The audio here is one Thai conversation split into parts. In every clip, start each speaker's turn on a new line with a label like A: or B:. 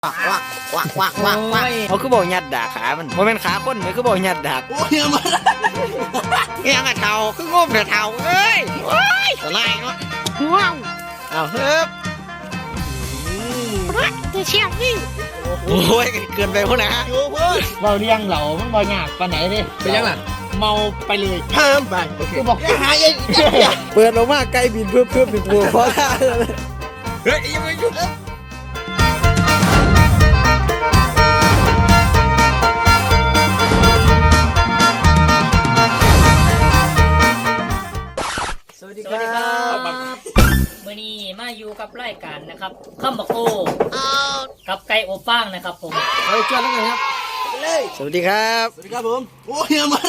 A: วักเขาคือบอกยัดดากขามันเป็นขาคนไหมคือบอกยัดดากโอ้ยมันยังกระเทาคืองมกระเทาเอ้ยโอ้ยอะไรเนาะว้าวเอาเฮ้ยจะเชี่ยพี่โอ้ยเกินไปพวกนะเราเลี้ยงเหล่ามันบ่ยากปานไหนดิเป็นยังไงเมาไปเลยเพิ่มไปกูบอกหายเปิดออกมาไกลบินเพิ่มบินบัวเพราะท่าเฮ้ยยังไม่หยุดสวัสดีครับ
B: มื่อนี้มาอยู่กับรายการนะครับข้ามบักโอกับไก่โอป้างนะครับผม
A: เอาจวนแล้วกันครับสวัสดีครับ
C: สวัสดีครับผมโอ้ยมา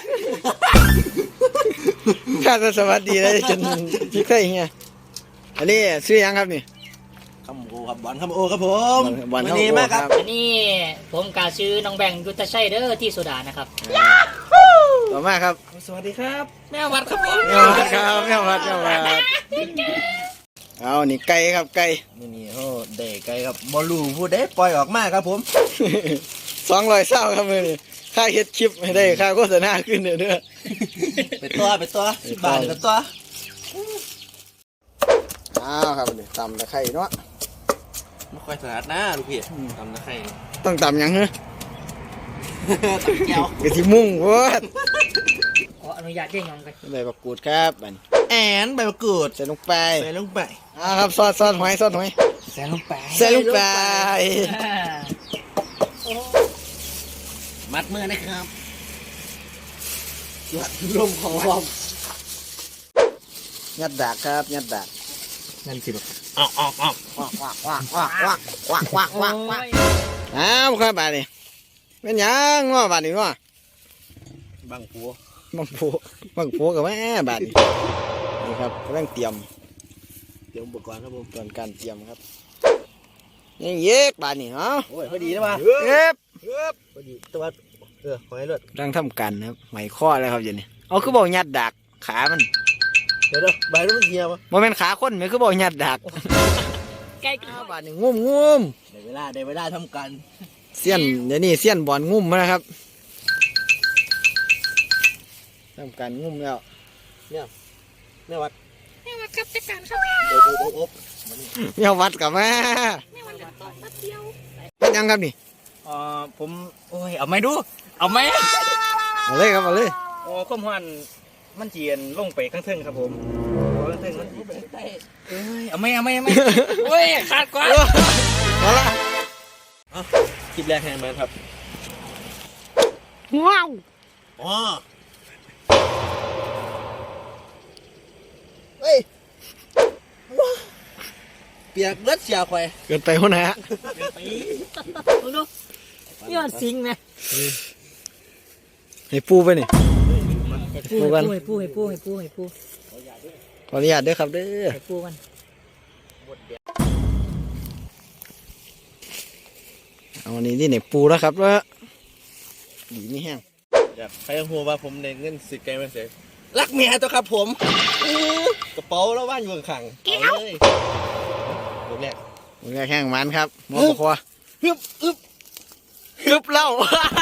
A: ข้าสวัสดีเลยจนพี่เคยเงี้ยอันนี้ชื่อยังครับนี่
C: คำโอครับบอลคำโอครับผม
A: บอลคำโอครับ
B: อันนี้ผมกาชื่อน้องแบงค์ยุทธชัยเด้อที่โซดานะครับ
A: ต่อมาครับ
C: สวัสดีครับ
B: แม่วัดครับผม
A: แม่วัดครับแม่วัดเอานี่ไก่ครับไก่
C: นี่โอ้เด็กไก่ครับบอลลูพูดได้ปล่อยออกมาครับผม
A: 200เศร้าครับมือนี่ค่าเฮ็ดคลิปไม่ได้ค่าโฆษณาขึ้นเด้อ
C: ไปตัว10 บาทเป็นตัว
A: ครับนี่ตำตะไคร้เนาะ
C: ไม่ค่อยถนัดนะลูกพี่ตำตะไคร้
A: ต้องตำยังเหรอ
C: ตำแก้ว
A: กะทิมุ่งโว้ย
B: ขออนุญาตเย่งน้องกัน
A: ใบมะกรูดครับ
C: ใบมะกรูด
A: ใส่ลงไปครับซอสหอย
C: ใส่ลงไปมัดมือนะครับหลัดลมของลม
A: ยัดดากครับยัดดาก
C: นั่นสิลูกออก
A: ครับบาดนี้เป็นยังง้อบาดนี้ง้อ
C: บังผั
A: วกับแม่บาดนี้นี่ครับกำลังเตรียม
C: อุปกรณ์ครับผม
A: ตอนการเตรียมครับยังเย็กบาดนี้
C: โอ้ยพอดีนะมาพอดีตัวหอยเลือด
A: กำลังทำกันครับไหมข้อแล้วครับอย่างนี้เอาคือบอกยัดดากขามัน
C: เดี๋ยวใบมันเหี่ยว
A: มันเป็นขาคนไหมคือบอกยัดดาก
B: ไก่
A: บาดนี้งุ่ม
C: ได้เวลาทำกัน
A: เสี้ยนเดี๋ยวนี้เสี้ยนบอลงุ่มนะครับทำการงุ่มแล้ว
C: เนี่ยแม่วัด
B: ครับจัดการครับ
A: แม่วัดกับแม่เป็นยังครับนี่
C: ผมโอ้ยเอาไหมดูเอาไหม
A: เอาเลยครับเอาเลย
C: ข้อมูลมันเจียนลงไปข้างเทิงครับผมข้างเทิงมันเอาไหม
B: โอ้ยขาดกว่า
A: เอาละ
C: คลิปแรกแทนมันครับ
B: ว้าว
C: เฮ้ยเปียกเลือดเสียควาย
A: เกินไปหัวหน้า
B: ดูนี่มันสิงไหม
A: ให้ปูไปนี่
B: ปูกันให้ปู
A: ขออนุญาตด้วยครับเด้อ
B: ให้ปูกัน
A: เอาวันนี้ที่ไหนปูแล้วครับว่าดีไม่แห้ง
C: อยากใครหัวว่าผมในเงินสิไกลมาเสียรักเมียตัวครับผมกระเป๋าแล้วบ้านอยู่ข้างๆเลยผมแร
A: กแห้งมันครับมอปคอฮึบเหล้า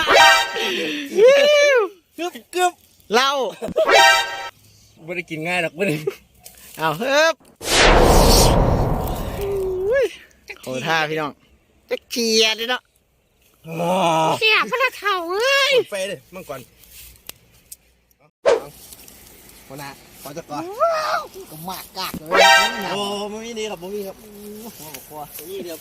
C: ฮึบ
A: เหล้า
C: ไม่ได้กินง่ายหรอกไม่ได้
A: เอาฮึบโอ้ท่าพี่น้องจะเกียดเลยเนาะ
B: เสียพระเท่าเอ้ย
C: ไฟเลยมั่งก่อนคนน่ะขอจะก่อน
A: ก็มากกากเลย
C: โอ้ไม่มีนี่ครับไม่มีครับหัวบอกคอนี่เดียว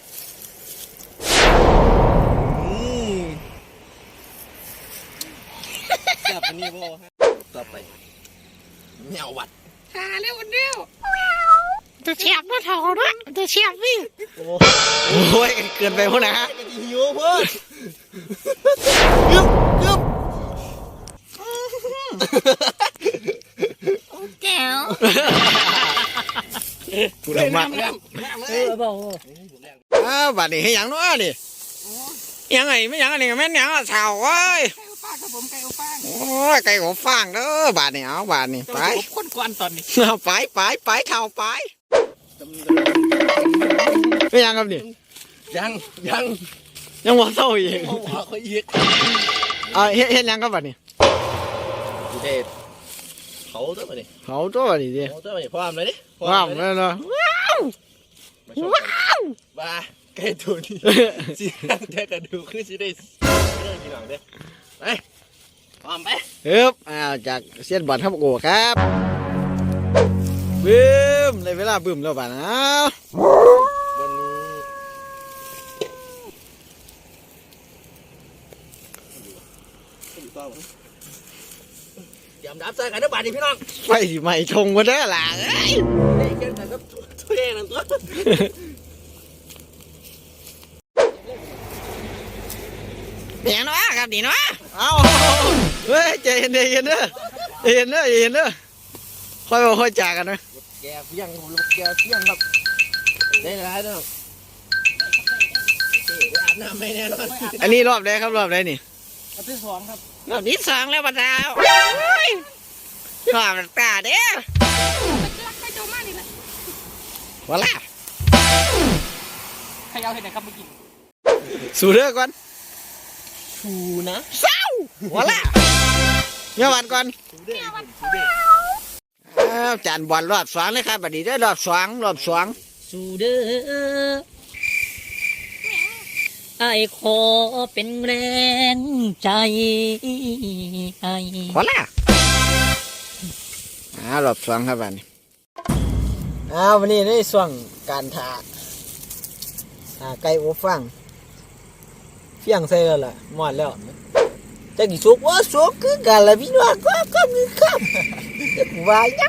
C: จับอันนี้พ่อฮะต่อไปแนววัด
B: หาเร็วเดียวจะเฉียบพระเท่าด้วยจะเฉียบพี่
A: โอ้ยเกินไปพวกนะ
C: หิวเพื่อนกึบ
B: แก้ว
A: กูดมาก
B: บอก
A: บัดนี้ให้ยังน้อยดิยังไงไม่ยังอันนี้แม่นยังสาวเว้ยโอ้ยไก่อบฟางเด้อบาดนี้เอาบาดนี้ไป
B: คนกวนตอนนี้
A: ไปเท่าไปไม่ยังครับนี่
C: ยัง
A: ยังบ่เศร้าอีก
C: เอาหัวเขาอีก
A: เฮ็ดหยังกับบัดนี้
C: ดูเด็ดเขาตัวมาดิ
A: เขาตัวบัดนี้ดิ
C: เขาตัวมาดิพร้อมเลยดิ
A: ว้าวนั่นเนาะว้าว
C: มาใกล้ตัวนี้สิแต่กระดูกคือสิได้เรื่องกี่หลังเด้ไปพร้อมไป
A: จากเซียนบอลครับโอ้ครับบึ้มในเวลาบึ้มแล้วบัดนะ
C: วันนี้ยำดับใส่กันนะบาดนี้พี่น้อง
A: ไฟสิไหม้ชงกันเด้อล่ะ
C: ได้เกินกันครับถ้วยนั่นตัว
A: เดี๋ยวนะครัเอาเฮ้ยใจเย็นเด้อค่อยบอกค่อยจากกันนะ
C: แกเฟี้ยงแกเฟี้ยงครับได้หลายน้องอาบน้ำไม่แน่นอน
A: อันนี้รอบแรกครับรอบแรกนี่
B: รอบที่สองครับ
A: รอบนี้สองแล้วบัดดาวรอบตาเด้อวะล่ะ
B: ใครเอาเห็นไหนครับเมื่อกี้
A: สู้เด้อก่อน
C: ชูนะ
A: เศร้าวะล่ะเมื่อวันก่อนจานบอลรอบสองเลยครับบัดนี้ได้รอบสอง
B: สู้เด้อไอ้ขอเป็นแรงใจไอ้
A: วะล่ะรอบสองครับบัดนี้วันนี้ในช่วงการถ่าไก่อบฟางเฟี้ยงใส่แล้วล่ะหมดแล้วจะกี่สุกว่าสุกคือกันละพี่น้องก็มีครับว่ายัง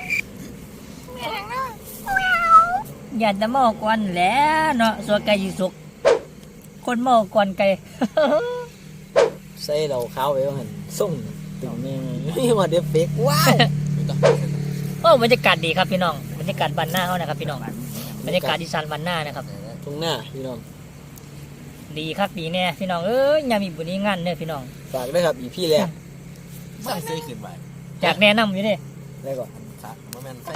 B: อย่าจะเมาก่อนแหล้วเนาะสัวไก่สุกคนเมาก่อนไก่
A: ใส่เราขาวไปว่าหันส่งตึงนี่นี่มาเดฟเฟกว้าว
B: โอ้บรรยากาศดีครับพี่น้องบรรยากาศบ้านหน้าเขานะครับพี่น้องบรรยากาศอีสานบ้านหน้านะครับ
A: ตรงหน้าพี่น้อง
B: ดีครับดีแน่พี่น้องเอ้ยยามมีบุญนี้งานเนี่ยพี่น้อง
A: ฝากด้วยครับอีพี่แรก
C: ใส่เสื้อขึ้นไป
B: จากแนะนำอยู่เนี่ย
A: แล้วก็
C: ครับโมเมนต์ใส่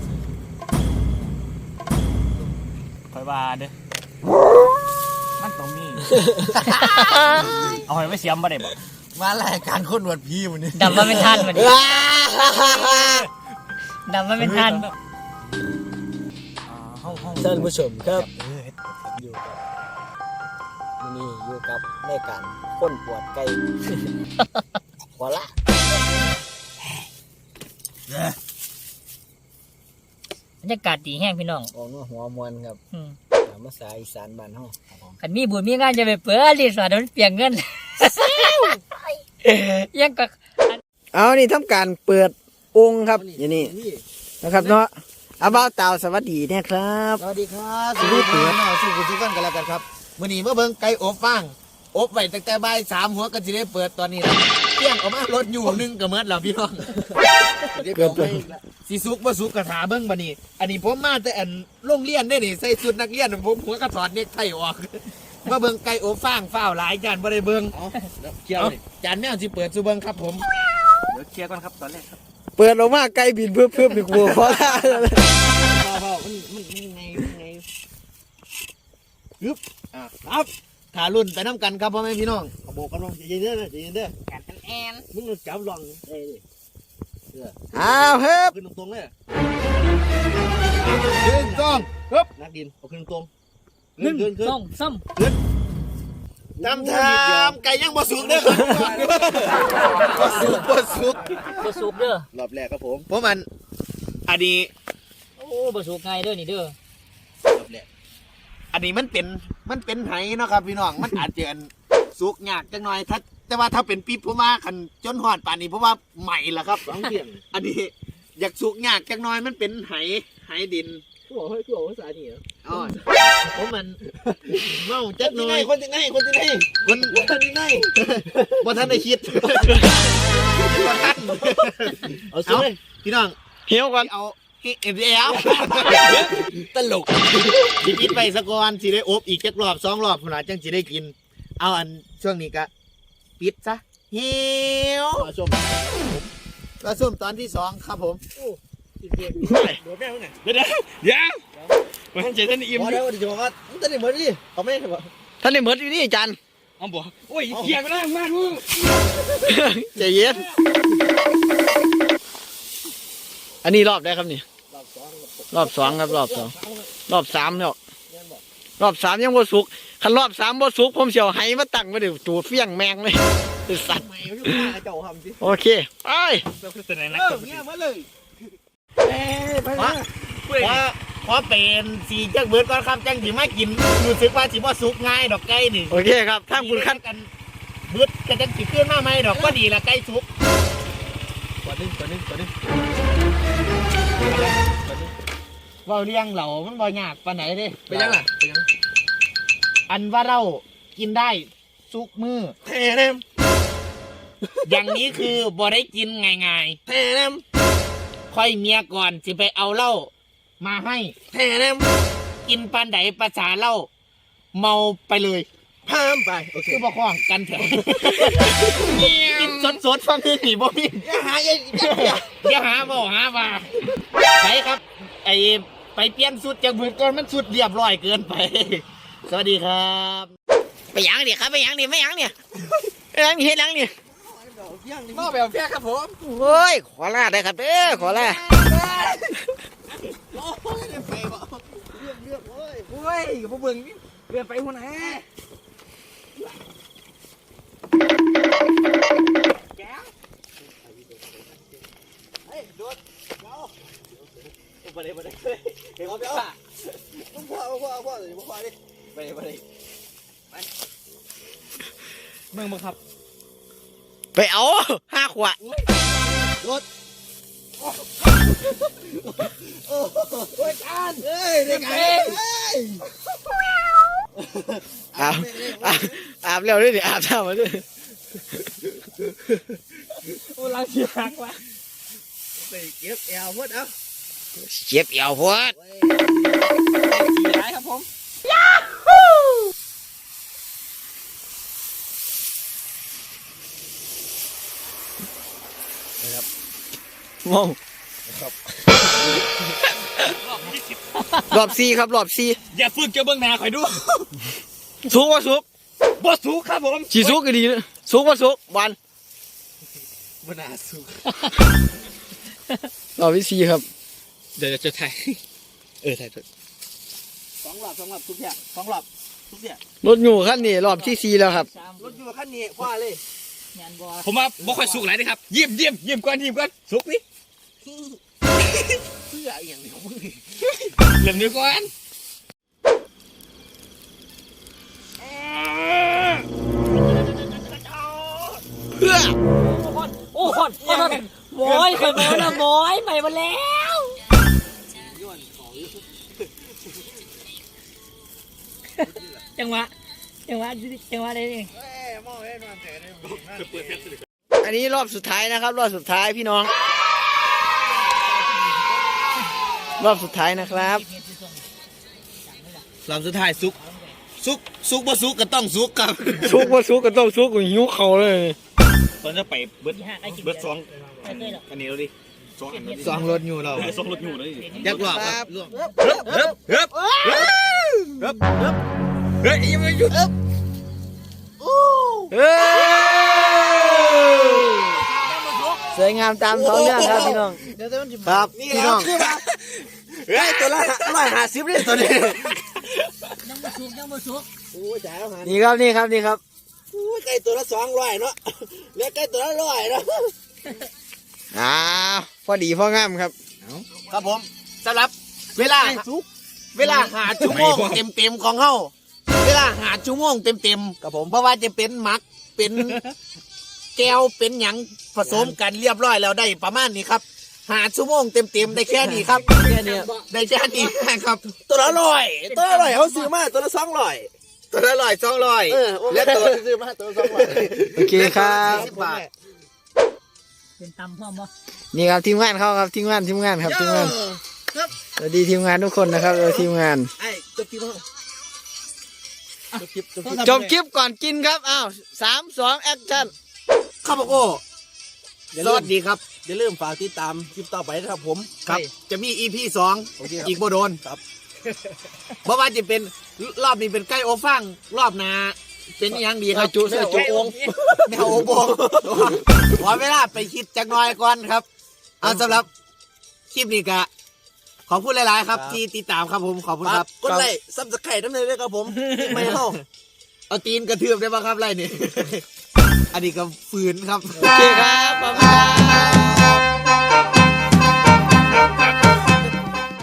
B: คอยว่าเด้อมันต้องมี เอาให้ไม่เสียมบ่ได้บ่
C: มารายการคนหนวดพี่วันนี้
B: ดำมาเป็นทันวันนี้ดำมาเป็นทัน
A: ท่านผู้ชมครับอยู่กับแม่การค้นปวดไก่หัวละ
B: บรรยากาศดีแห้งพี่น้อง
A: ออกมาหัวมวนครับตามภาษาอีสานบ้านเฮา
B: คันมีบุญมีงานจะไปเปิดรีสอร์ทมันเปลี่ยนเงิน ยังก็
A: เอานี่ทำการเปิดองค์ครับอย่างนี้นะครับเนาะอาบ่าวเต่าสวัสดีนะครับ
C: สวัสดีครับสวัสดีครับสู้กันกันแล้วกันครับมื้อนี้มาเบิ่งไก่อบฟางอบไว้ตั้งแต่บ่าย3หัวก็สิได้เปิดตอนนี้นะเที่ยงออกมารถอยู่นึงก็หมดแล้วพี่น้อง
A: เกิด
C: สิสุกบ่สุกกระถาเบิ่งบัดนี้อันนี้ผมมาแต่อันโรงเรียนได้นี่ใส่ชุดนักเรียนผมหัวกระถอดเน็กไทออกมาเบิ่งไก่อบฟางฝ้าวหลายจานบ่ได้เบิ่งเกี่ยวนี่จานแมวสิเปิดสู่เบิ่งครับผมเดี๋ยวเคลียร์ก่อนครับตอนแรกครับ
A: เปิดออกมาไก่บินเพื่ออีกวัวเพราะอะไร
C: มันไงฮึบครับขารุ่นไปน้ำกันครับพ่อแม่พี่น้องขโบกกันลงใจเย็นเด้อใจเย็นเด้อแอนมึงจับลองเอ้ย
A: อ้าวเฮ้ย
C: ขึ้นตรงๆเลยขึ้นตรงฮึบนักดินเอาขึ้นตรง
B: 1 2 3
C: ทำไก่ย่างบ่สุกเด้อบ่สุก
B: บ่สุกเด้อ
C: รอบแรกครับผมเพราะมันอันนี้
B: โอ้บ่สุกง่ายเด้อนี่เด้อ
C: รอบแรกอันนี้มันเป็นไหเนาะครับพี่น้องมันอาจจะสุกยากจังหน่อยแต่ว่าถ้าเป็นปี๊บผมว่าคันจนหอดป่านนี้เพราะว่าใหม่ละครับ2เที่ยงอันนี้อยากสุกยากจังหน่อยมันเป็นไหดินกูบอกภาษานี่เหรออ๋อผมมันเมาจักหน่อยคนที่ไหนบ่ทันได้คิดเอาสิพี่น้อง
A: เหี่ยวก่อน
C: เอาเอ็มดีแล้วตลกสิกินไปสักวันสิได้อบอีกจักรอบ2รอบพุ่นล่ะจังสิได้กินเอาอันช่วงนี้ก็ปิดซะเหี่ยวปลาส้มตอนที่2ครับผมเดี๋ยว
B: มันจะท่านอิ่ม
A: พอแล้วเดี๋ยวว่าท่านได้เหมือนดิเอาไม่ได้บ่
D: ท่านได้เหมือนอยู่นี่อาจารย์
B: เอาบ่โอ้ยเกียร์ก็ได้มากมึง
D: ใจเย็นอันนี้รอบได้ครับนี่รอบสองครับรอบสองรอบสามแล้วรอบสามยังบ่สุกคันรอบสามบ่สุกผมเสียวไห้มาตั้งไว้เดี๋ยวจูดเฟี้ยงแมงเลยไอ้สัตว์
A: ไม่รู้ว่าเจ้าทำสิ
D: โอเคไป
B: ตัวไหนนัก
A: เงี้ยมาเลย
C: เพราะเป็นสีจังเบิดก่อนครับจังสิมากินรู้สึกว่าสิบ่สุกง่ายดอกไก่นี่
D: โอเคครับถ้าคุณคัด
C: กันเบิดก็จังสิขึ้นมาใหม่ดอกก็ดีละไก่สุก
A: ตัวนึง
C: เว้าเลี้ยงเหล่ามันบ่ยากปานไหนเด้
A: ไปยังล่ะไปยัง
C: อันว่าเรากินได้สุกมือ
A: แทนม
C: อย่างนี้คือบ่ได้กินง่าย
A: แทนม
C: ๆค่อยเมียก่อนสิไปเอาเหล้ามาให้
A: แทนม
C: กินปานใดภาษาเหล้าเมาไปเลย
A: พามไปโอเค
C: คือบ่คล้องกันแถวกินสดๆฟังคือนี่บ่มี
A: อย่าหาอย่า
C: อย่าหาบ่หาว่าใช่ครับ ไอไปเปลี่ยนสุดจากมือก่อนมันสุดเรียบร้อยเกินไป สวัสดีครับ
D: ไปยังดิครับไปยังดิไม่ยังเนี่ยไปยังดิเฮ็ดยังนี่
A: นอกแบบแพ้ครับผม
D: โอ้ยขอลาได้ครับเด้อขอลา
A: โอ้ยไปบ่เลือกโอ้ยกับพวกเบิ่งนี่เลือกไปหัวไหนเฮ้ยโดดเดี๋ยวไปเลยเดี๋ยวเดี๋ยวพ่อเลยพ่อดิไปเลยมึงบังคับ
D: ไปเอา5 ขวด
A: รถโอ้ยการเฮ้ยเด็กเอ้ย
D: อาบแล้วด้วยดิอาบน้ำมาด้วย
B: โอ้ลังเสียหักว่ะ
A: ไปเก็บแอลพดเอา
D: เจ็บเอวพวด
B: สีร้ายครับผม
D: มองรอบ4ครับรอบ
B: อย่าฝึกเจ้าเบื้องหน้าคอยดู
D: 4สุกว่าสุก
B: บ่สูงครับผม
D: สีสุกก็ดีนะสุกว่าสุกวัน
A: บนาสุก
D: รอบที่4ครับ
B: เดี๋ยวจะถ่ายถ่าย
A: สองหลับทุกอย่างสองหลับทุกอย่าง
D: รถอยู่ขั้นนี้รอบที่4แล้วครับ
A: รถอยู่ขั้นนี้คว้าเลย
B: ผมว่าบ่ค่อยสุกหลายนะครับเยี่ยมก่อนสุกนี่
A: เสื้ออย่างนี้มึง
B: เริ่มนี้ก่อน
D: เพื่อ
B: โอ้คนหมอยเคยมาแล้วหมอยใหม่มาแล้วจังหวะได้เอง
A: มองให้นอนเฉยเลย
D: อันนี้รอบสุดท้ายนะครับ รอบสุดท้ายพี่น้อง รอบสุดท้ายนะครับ
C: ลำสุดท้ายสุกบ่สุกก็ต้องสุกครับ
D: สุกว่าสุกก็ต้องสุกกูหิวเขาเลย
B: ตอนจะไปเบิดสองอันนี้เราดิสองอันนี้
C: สองรถอยู่เรา
B: สองรถอยู่เลย
C: ยักษ์หลอกครับ
B: เฮ้ยยังไม่หยุด
D: เฮ้ยสวยงามตามท้องเรื่องครับพี่น้อง
A: เดี๋ยวมันจะ
D: ครับ
A: นี่
D: พี่
A: แล้
D: น้
A: ว
D: อง
A: คือมาเฮ้ยตัวละ150เลยตัวนี้ยังบ่สุกโอ้ยจ่ายแล้วหัน
D: นี่ครับนี่ครับ
A: โอ้ยไก่ตัวละ200เนาะแล้วไก่ตัวละ100เนาะ
D: พอดีพองามครับ
C: ครับผมสำหรับเวลาหาชั่วโมงเต็มๆของเฮาเวลาหาชั่วโมงเต็มๆกับผมเพราะว่าจะเป็นหมักเป็นแก้วเป็นหยังผสมกันเรียบร้อยแล้วได้ประมาณนี้ครับหาชั่วโมงเต็มๆได้แค่นี้ครับแค่นี้ได้แค่นี้ครับ
A: ตัวละ100เขาซื้อมาตัวละ200
C: ตัวละ200
A: แล้วตัวซื้อมาตัวละ200
D: โอเคครับ
C: 10 บาท
B: เป็นตำพ่อม
D: นี่ครับทีมงานเขาครับทีมงานครับทีมงานสวัสดีทีมงานทุกคนนะครับทีมงาน
A: ไอ้จบคลิปมั้ง
D: จบคลิปก่อนกินครับอ้าว3 2แอคชั่น
C: ข้าวโพดสวัสดีครับ
A: อย่าลืมฝากติดตามคลิปต่อไปนะครับผม
C: ครับ จะมี EP 2
A: โอเคครับ
C: อีกบ่โดน
A: ครับ
C: เพราะว่าจะเป็นรอบนี้เป็นไก่โอฟังรอบหน้าเป็นอยังดีครับ
D: จุอง
C: แมวโอโบขอเวลาไปคิดจักหน่อยก่อนครับเอาสำหรับคลิปนี้ก็ขอบคุณหลายๆครับที่ติดตามครับผมขอบคุณครับ
A: กดไลค์ซับสไครต์น้ำเลยด้วยครับผมไม่เข้า
C: เอาตีนกระเทือบได้ป่ะครับไรนี่ อันนี้ก็ฝืนครับ
D: โอเคครับบ๊ายบาย